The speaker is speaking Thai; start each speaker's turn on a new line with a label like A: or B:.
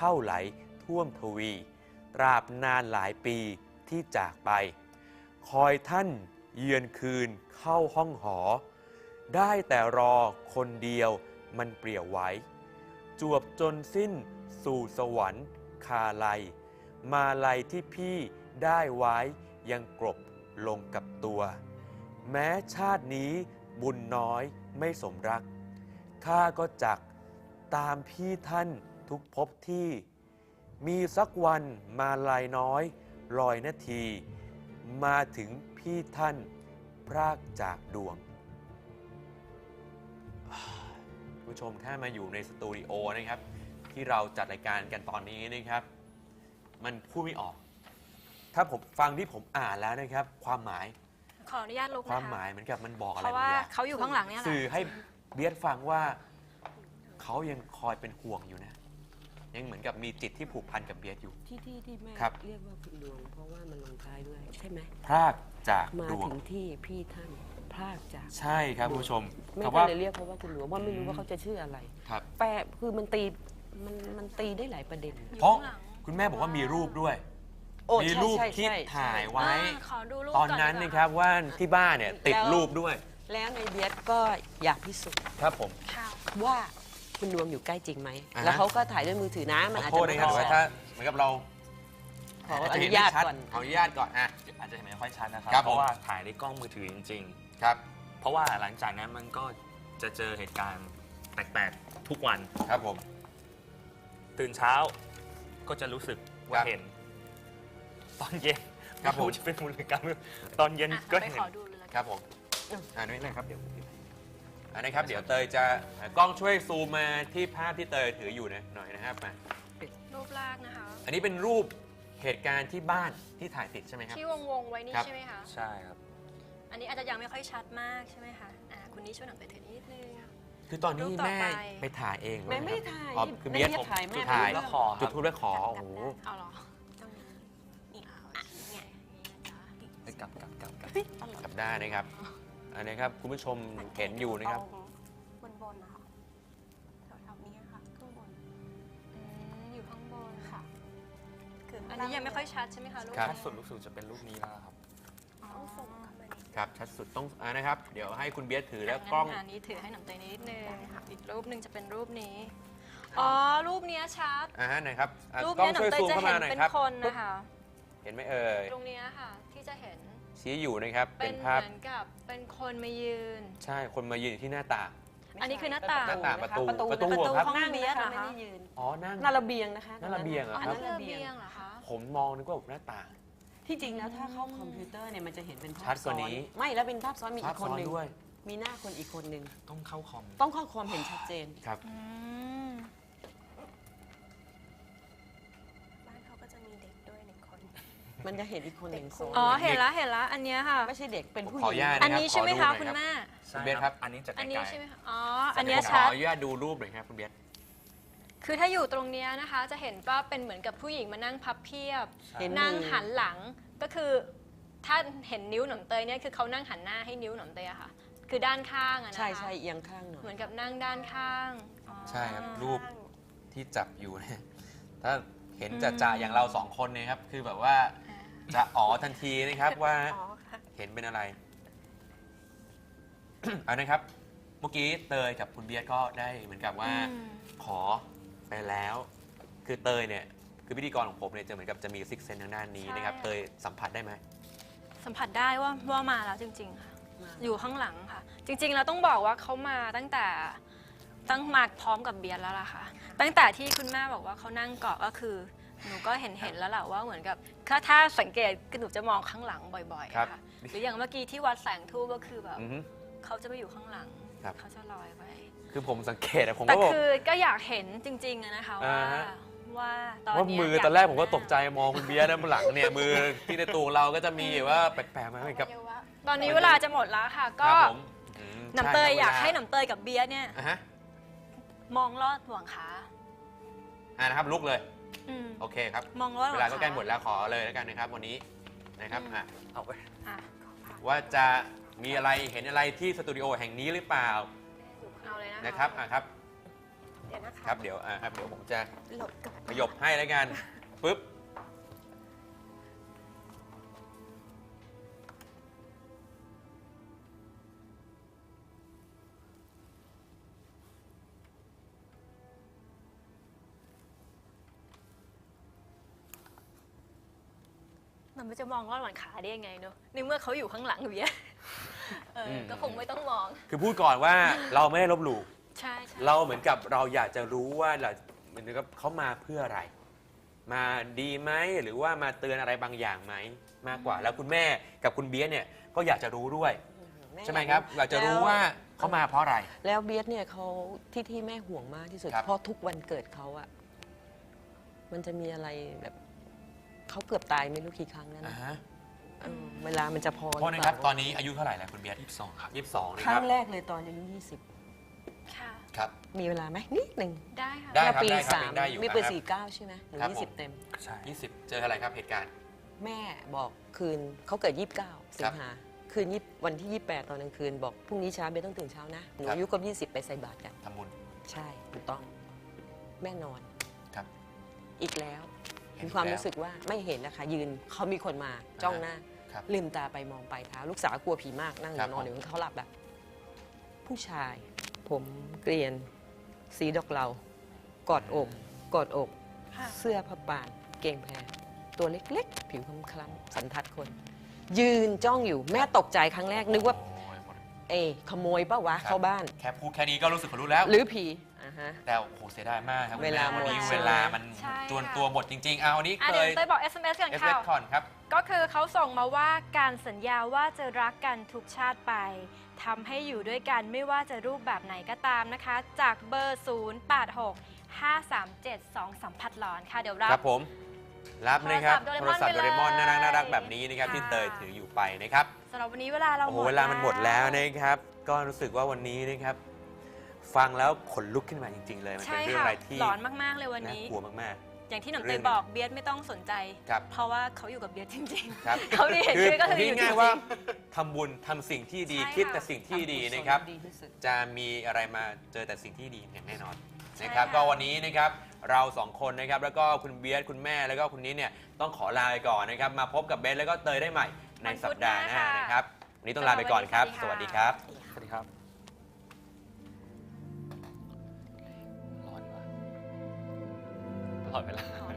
A: เข้าไหลท่วมทวี ตราบนานหลายปีที่จากไป คอยท่านเยือนคืนเข้าห้องหอ ได้แต่รอคนเดียวมันเปลี่ยวไว้ จวบจนสิ้นสู่สวรรค์คาลัย มาลัยที่พี่ได้ไว้ยังกลบลงกับตัว แม้ชาตินี้บุญน้อยไม่สมรัก ข้าก็จักตามพี่ท่านทุกภพที่ มีสักวันมาลายน้อยลอยนาที มาถึงพี่ท่านพรากจากดวง ผู้ชมถ้ามาอยู่ในสตูดิโอนะครับ ที่เราจัดรายการกันตอนนี้นะครับ มันพูดไม่ออก ถ้าผมฟังที่ผมอ่านแล้วนะครับ ความหมาย
B: ขออนุญาตลุกนะคะ
A: ความหมายเหมือนกับมันบอกอะไร
B: เพราะว่า
A: บางอย่าง
B: เขาอยู่ข้างหลังเนี่ยแหละ
A: สื่อให้เบียดฟังว่าเขายังคอยเป็นห่วงอยู่นะ ยังเหมือนกับมีจิตที่ผูกพันกับเบียดอยู่
C: ที่แม่
A: ครับ
C: เรียกว่าคุณดวง เพราะว่ามันลงท้ายด้วยใช่ไหม
A: พรากจาก
C: มา
A: ดวง
C: ถึงที่พี่ท่านพลากจาก
A: ใช่ครับคุณผู้ชม
C: แม่
A: คำ
C: ก็
A: ว่า
C: เลยเรียกเขาว่าคุณหลวงว่าไม่รู้ว่าเขาจะชื่ออะไร
A: ครับ
C: แปลคือมันตีได้หลายประเด็น
B: อยู่
A: เพราะ
B: ข้างหลัง
A: คุณแม่บอกว่ามีรูปด้วย
C: โอ้
A: มี
C: ใช่
A: รูป
C: ใช่
A: ที่
C: ใช่
A: ถ่ายไว้
B: ขอดูรูป
A: ตอนนั้น
B: ก่
A: นะครับว่าที่บ้านเนี่ยติดรูปด้วย
C: แล้วในเบียดก็อยากพิสูจน์
A: ครับผม
B: ค่ะ
C: ว่าคุณดวงอยู่ใกล้จริงไหม
A: อ่าฮะ
C: แล้วเขาก็ถ่ายด้วยมือถือนะมัน
A: ข
C: อา
A: อ
C: จ
A: โท
C: จะ
A: ษนะครับ
C: ไม่
A: แต่ว่าถ้าเหมือนกับเรา
C: ขออ
A: จะ
C: นุ
A: เห็
C: ญาต
A: ไม่ชัด
C: ก่อน
A: ขออนุญาตก่อนอ่ะ
D: อาจจะเห็นไม่ค่อยชัดนะครั
A: ครับ
D: เพราะว่า
A: ผม
D: ถ่ายในกล้องมือถือจริง
A: ครับ
D: ๆ เพราะว่าหลังจากนั้นมันก็จะเจอเหตุการณ์แปลกๆทุกวัน
A: ครับผม
D: ตื่นเช้าก็จะรู้สึกว่า
A: ครับ
D: เห็น ตอนเย็น
A: ครับผม
D: ไรู้จะเป็นมูลกรรมตอนเย็น
B: อ่ะ
D: ก็
B: ไป
D: เห็น
B: ขอดูเลยละ
A: ค
B: กัน
A: รับผมนี่นะครับเดี๋ยวนะครับเดี๋ยวเตยจะกล้องช่วยซูมมาที่ภาพที่เตยถืออยู่นะหน่อยนะครับมา
B: รูปแรกนะคะ
A: อันนี้เป็นรูปเหตุการณ์ที่บ้านที่ถ่ายติดใช่ไหมครับ
B: ที่วงไว้นี่
A: ครับ
B: ใช่ไหมคะ
D: ใช่ครับ
B: อันนี้อาจจะยังไม่ค่อยชัดมากใช่ไหมคะคุณนี้ช่วยหนังไปถือนิดนึง
A: คือตอนนี้
B: รูปต่อ
A: แม่
B: ไป
A: ไปถ่ายเองเหรอ
C: แม่ไม่ได้
A: ครับ
C: ถ่าย
A: อ๋อคือเบียด
C: แม่ถ่ายแม่
A: ถ่าย
D: แล้วขอครับ
A: จุดทูบแล้วขอโอ้โห
B: เอาเหรอตรงนี้นี่เนี่ย
D: ไปกลับ
A: จับได้นะครับอันนี้ครับคุณผู้ชมเห็นอยู่นะครับ
B: บนนะคะแถวๆนี้ค่ะข้างบนอยู่ข้างบนค่ะอันนี้ยังไม่ค่อยชัดใช่ไหมคะลูก
A: ครับ
D: ชัดสุดรู้สึกจะเป็นรูปนี้แล้วครับ
B: ต้องส่งเข้ามา
A: ครับชัดสุดต้องนะครับ เดี๋ยวให้คุณเบียดถือแล้วกล้อง
B: อันนี้ถือให้หนังเตยนิดนึงอีกรูปหนึ่งจะเป็นรูปนี้อ๋อรูปเนี้ยชัด
A: ไหนครับ
B: รูป
A: กล้อ
B: เนี้
A: ง
B: ยหนั
A: ช่วย
B: งเตย
A: ซูม
B: จะ
A: เข้า
B: เห็
A: มาน หน่อย
B: เป็น
A: ครับ
B: คนนะคะ
A: เห็นไหมเอ่ย
B: ตรงเนี้ยค่ะที่จะเห็น
A: ชี้อยู่นะครับ
B: เป็
A: เป็น น
B: เห
A: ภาพ
B: มือนกับเป็นคนมายืน
A: ใช่คนมายืนอยู่ที่หน้าต่าง
B: อันนี้คือหน้าต่าง
A: หน้าต่างประตู
C: ประตู
A: ประตู
B: ประตู
A: ครับ
B: ห้อง
C: นั่ง
B: เบี
C: เบี
B: ย
C: ย
B: ด
C: ด
B: เหรอคะ
C: ไม่ได้ยืน
A: อ๋อนั่ง
C: หน้าระเบียงนะคะ
A: หน้าระเบียงเหร
B: อ๋อ
A: อ
B: อันนี้ระเบียงเหรอคะ
A: ผมมองนึกว่าหน้าต่าง
C: ที่จริงแล้วถ้าเข้าคอมพิวเตอร์เนี่ยมันจะเห็นเป็นภา
A: ชั
C: พ
A: ดก
C: ซ้อ
A: ว่าน นี้
C: ไม่แล้วเป็นภาพซ้อนมี
A: ภา
C: อี
A: พ
C: กคน
A: ซ้อน
C: หนึ่ง
A: ด้วย
C: มีหน้าคนอีกคนหนึ่ง
D: ต้องเข้าคอม
C: ต้องเข้าความเห็นชัดเจน
A: ครับ
B: อืม
E: บ้านเขาก็จะมีเด็กด้วย1 คน
C: มันจะเห็นอีกคนหนึ่งซ้อน
B: อ๋อเห็นละอันเนี้ยค่ะ
C: ไม่ใช่เด็กเป็นผู้ห
A: ขอ
C: ญิ
A: อนุญาต
B: อันนี้ใช่ไหม
A: ขอ
B: คะ
A: ดูหน่อย
B: คุณแม่
D: ใช่
A: เบียดครับ
D: อันนี้จะไก
B: อันนี้
D: ล
B: ใช่ไหม
D: ๆ
B: คะอ๋ออันเนี้ย
A: ผมขอ
B: ชัด
A: อนุญาตดูรูปหน่อยครับคุณเบียด
B: คือถ้าอยู่ตรงเนี้ยนะคะ จะเห็นว่าเป็นเหมือนกับผู้หญิงมานั่งพับเพียบ
D: ใช่
C: เห็น
B: นั่ง
C: มือ
B: หันหลังก็คือถ้าเห็นนิ้วหนมเตยเนี่ยคือเขานั่งหันหน้าให้นิ้วหนมเตยอะค่ะ คือด้านข้างอะนะคะ
C: ใช่ใช่เอียงข้างหน่อย
B: เหมือนกับนั่งด้านข้างอ๋อ
A: ใช่ครับรูปที่จับอยู่เนี่ยถ้าเห็นจ่าๆอย่างเราสองคนเนี่ยครับคือแบบว่า
B: อ่า
A: จะอ๋อทันทีนะครับว่า
E: อ๋อค่ะ
A: เห็นเป็นอะไร เอานะครับ เมื่อกี้เตยกับคุณเบียร์ก็ได้เหมือนกับว่า
B: อืม
A: ขอไปแล้ว คือเตยเนี่ยคือพิธีกรของผมเนี่ยจะเหมือนกับจะมีซิกเซนทางด้านนี้นะครับ เตยสัมผัสได้ไหม
B: สัมผัสได้ว่ามาแล้วจริง ๆ ค่ะ อยู่ข้างหลังค่ะ จริงๆเราต้องบอกว่าเขามาตั้งมาพร้อมกับเบียร์แล้วล่ะค่ะ ตั้งแต่ที่คุณแม่บอกว่าเขานั่งเกาะก็คือหนูก็เห็นแล้วแหละว่าเหมือนกับถ้าสังเกตคือหนูจะมองข้างหลังบ่อยๆ
A: ครับ
B: อะค่ะหรืออย่างเมื่อกี้ที่วัดแสงทูปก็คือแบบ
A: อือฮึ
B: เขาจะไปอยู่ข้างหลัง
A: ครับ
B: เขาจะลอยไป
A: คือผมสังเกตอะผม
B: แต่
A: ก็บอก
B: คือก็อยากเห็นจริงๆอะนะคะ
A: อ่า
B: ว่า
A: ฮะ
B: ว่าตอน
A: ว่า
B: เนี้ย
A: มือ
B: อยา
A: ตอนแรก
B: เห็
A: ผมก็ตกใจมองคุณเบียร์ด้านหลังเนี่ยมือที่ในตัวเราก็จะมีว่าแปลกๆมาเหมือนกับ
B: ตอนนี้เวลาจะหมดแล้วค่ะ
A: ค
B: ก็
A: รับผมอืม
B: น้ำเตย
A: ช่ครับ
B: อยาก
A: วล
B: ให้น้ำเตยกับเบียร์เนี่ย
A: อ่ะฮะ
B: มองลอดห่วงขา
A: นะครับลุกเลย
B: อืม
A: โอเคครับ
B: มองลอดห่
A: เว
B: วงขา
A: ลาก็ใกล้หมดแล้วขอเลยแล้วกันนะครับ วันนี้นะครับอ่ะ
D: เอาไป
B: อ่ะ
A: ว่าจะมีอะไรเห็นอะไรที่สตูดิโอแห่งนี้หรือเปล่า
B: เอาเลยนะคะ
A: นะครับอ่ะครับ
E: เดี๋ยวนะคะ
A: ครับเดี๋ยวเดี๋ยวผมจะ
E: หลบกับ
A: ขยบให้แล้วกันปึ๊บ
B: มันไม่จะมองลอดหว่านขาได้ยังไงเนอะในเมื่อเขาอยู่ข้างหลังเบียร์ก็คงไม่ต้องมอง
A: คือพูดก่อนว่าเราไม่ได้ลบหลู่
B: ใช่ใช่
A: เราเหมือนกับเราอยากจะรู้ว่าเราเหมือนกับเขามาเพื่ออะไร มาดีไหมหรือว่ามาเตือนอะไรบางอย่างไหมมากกว่า แล้วคุณแม่กับคุณเบียร์เนี่ยก็อยากจะรู้ด้วยใช่ไหมครับอยากจะรู้ว่าเขามาเพราะอะไร
C: แล้วเบียสเนี่ยเขาที่แม่ห่วงมากที่สุด
A: ครับ
C: เพราะทุกวันเกิดเขาอะมันจะมีอะไรแบบเขาเกือบตายไม่รู้กี่ครั้งแล้ว
A: อ่า
C: นะ
A: ฮะ
C: เวลามันจะพอ
A: โทษนะครับตอนนี้อายุเท่าไหร่แล้วคุณเบียร์
D: 22 ครับ
A: 22นะ
C: ค
A: ค
C: รั้
A: รับ
C: งแรกเลยตอนอายุ
B: ค่ะ
A: ครับ
C: 20 มีเวลาไหมนิดหนึ่ง
B: ได้ค่ะ
A: ได้
C: เมื่อปี
A: ได้ครับ
C: 3
A: ยังได้อยู่
C: มีปี
A: ครับ
C: 49 ใช่ไหมหรือ
A: ครับผม
C: 20 เต็ม
D: ใช่
A: 20 เจออะไรครับเหตุการณ์
C: แม่บอกคืนเขาเกิด 29 สิงหาคืนวันที่ 28 ตอนกลางคืนบอกพรุ่งนี้เช้าเบสต้องตื่นเช้านะหนู
A: ครับ
C: อายุครบ20 ไปใส่บาตรกัน
A: ทำบุญ
C: ใช่ถูกต้องแม่นอน
A: ครับ
C: อีกแล้ว
A: เห็น
C: มีความ
A: แล้ว
C: รู้สึกว่าไม่เห็นนะคะยืนเขามีคนมาจ้องหน้า
A: ครับ
C: ลืมตาไปมองไปเท้าลูกสาวกลัวผีมากนั่งอ
A: ครับ
C: ยู่นอนอยู่เขาหลับแบบผู้ชาย ผมเกรียน สีดอกเหลากอดอกกอดอก
B: ค่ะ
C: เสื้อผ้าป่านเกงแพรตัวเล็กๆ ผิวคล้ำๆสันทัดคน ยืนจ้องอยู่แม่ตกใจครั้งแรกนึกว่า
A: โอ้ยหมด
C: ขโมยป้าวะเข้าบ้าน
A: แค่พูดแค่นี้ก็รู้สึกขนลุกแล้ว
C: หรือผีอ่าฮะ
A: แต่โอ้โหเสียดายมากครับคุณ
C: เวลา
A: แม่วันนี้
C: หมด
A: เวลามัน
B: ใช่
A: จวน
B: ค่ะ
A: ตัวหมดจริง ๆ เอาวันนี้
B: อ่ะ
A: เค
B: เดี๋ยวย เต้ยบอก SMS กัน
A: เอฟ
B: ค่ะ
A: เอคอนครับ
B: ก็คือเขาส่งมาว่าการสัญญาว่าจะรักกันทุกชาติไปทำให้อยู่ด้วยกันไม่ว่าจะรูปแบบไหนก็ตามนะคะ จากเบอร์ 086 537 23พัดหลอนค่ะ เดี๋ยวรับ
A: ครับผม รับนะครับ
B: โท
A: โท
B: ร
A: ร
B: ศั
A: ศั
B: พ
A: พ
B: ท์
A: ท์โดเรมอน
B: ไปเลย
A: น่ารักแบบนี้นะครับ
B: ค่ะ
A: ที่เตยถืออยู่ไปนะครับ
B: สำหรับวันนี้เวลาเรา
A: โอ้
B: ห
A: โห
B: มด
A: เวลามันหมดแล้วนะครับ ก็รู้สึกว่าวันนี้นะครับ ฟังแล้วขนลุกขึ้นมาจริง ๆ เลย มันเป็
B: ใช่
A: นเรื่อง
B: ค่ะ
A: อะไรที่
B: หลอนมากๆเลยวัน
A: น่า
B: นี้
A: กลัวมาก
B: อย่างที่หนุ่ม
A: เรื่
B: เต
A: อง
B: ยบอกเบียสไม่ต้องสนใจ
A: ครับ
B: เพราะว่าเขาอยู่กับเบียสจริง
A: ๆ ครับ
B: เขาได้เห็น
A: คือ
B: ด้วยก็คือ
A: พูด
B: อยู่
A: ง่าย
B: จริง
A: ๆว่าทำบุญทำสิ่งที่ดี
B: ใช่ค่ะ
A: คิดแต่สิ่งที่ดีนะครับ
C: ดีที่สุด
A: จะมีอะไรมาเจอแต่สิ่งที่ดีอย่างแน่นอน
B: ใช่
A: นะครับ
B: ค่ะ
A: ก็วันนี้นะครับเราสองคนนะครับแล้วก็คุณเบียร์คุณแม่แล้วก็คุณนี้เนี่ยต้องขอลาไปก่อนนะครับมาพบกับเบสแล้วก็เตยได้ใหม่ในสัปดาห์หน้านะครับวันนี้ต้องลาไปก่อนครับ สวัสดีครับ
D: สวัสดีครับ ร้อนว่ะตลอดเวลา